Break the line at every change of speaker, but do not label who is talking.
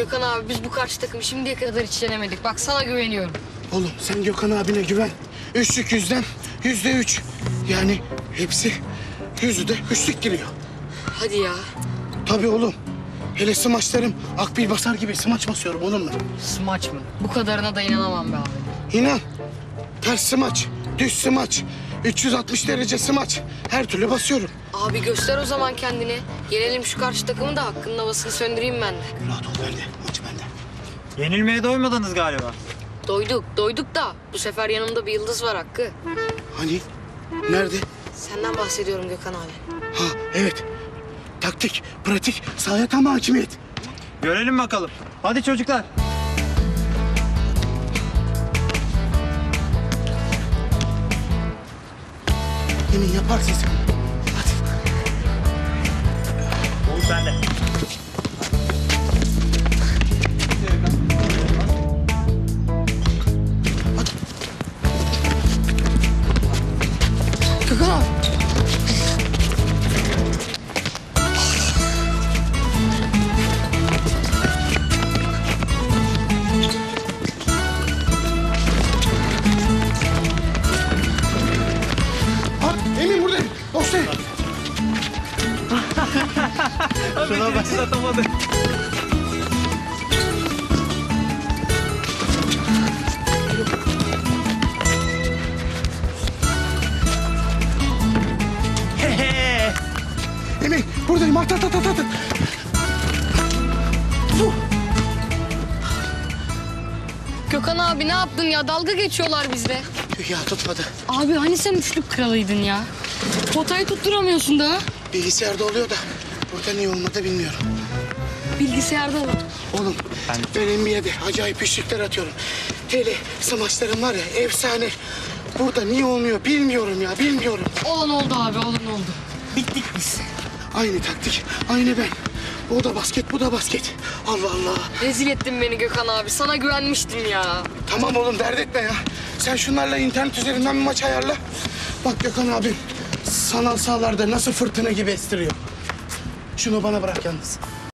Gökhan abi biz bu karşı takımı şimdiye kadar hiç yenemedik. Bak sana güveniyorum.
Oğlum sen Gökhan abine güven. Üçlük yüzden %3. Yani hepsi yüzü de üçlük giriyor.
Hadi ya.
Tabii oğlum. Hele smaçlarım akbil basar gibi smaç basıyorum oğlum ben.
Smaç mı? Bu kadarına da inanamam be abi.
İnan. Ters smaç, düz smaç, 360 derece smaç. Her türlü basıyorum.
Abi göster o zaman kendini. Yenelim şu karşı takımı da hakkının havasını söndüreyim ben de.
Rahat ol bende. Maç bende.
Yenilmeye doymadınız galiba.
Doyduk da bu sefer yanımda bir yıldız var Hakkı.
Hani? Nerede?
Senden bahsediyorum Gökhan abi.
Ha evet. Taktik, pratik, sahaya tam hakimiyet.
Görelim bakalım. Hadi çocuklar.
Emin yaparsın sen. Hadi.
Oğuz sende.
Gökhan abi. Emin buradayım. Boştayım.
Şuna başlatamadı.
Emin buradayım. At. Dur.
Gökhan abi ne yaptın ya? Dalga geçiyorlar bizle.
Ya tutmadı.
Abi hani sen üçlük kralıydın ya? Potayı tutturamıyorsun daha.
Bilgisayarda oluyor da burada niye olmadı bilmiyorum.
Bilgisayarda var.
Oğlum ben NBA'de acayip üçlükler atıyorum. Hele smaçlarım var ya efsane. Burada niye olmuyor bilmiyorum ya bilmiyorum.
Olan oldu abi, olan oldu. Bittik biz.
Aynı taktik, aynı ben. O da basket, bu da basket. Allah Allah.
Rezil ettin beni Gökhan abi. Sana güvenmiştim ya.
Tamam oğlum dert etme ya. Sen şunlarla internet üzerinden bir maç ayarla. Bak Gökhan abim sanal sahalarda nasıl fırtına gibi estiriyor. Şunu bana bırak yalnız.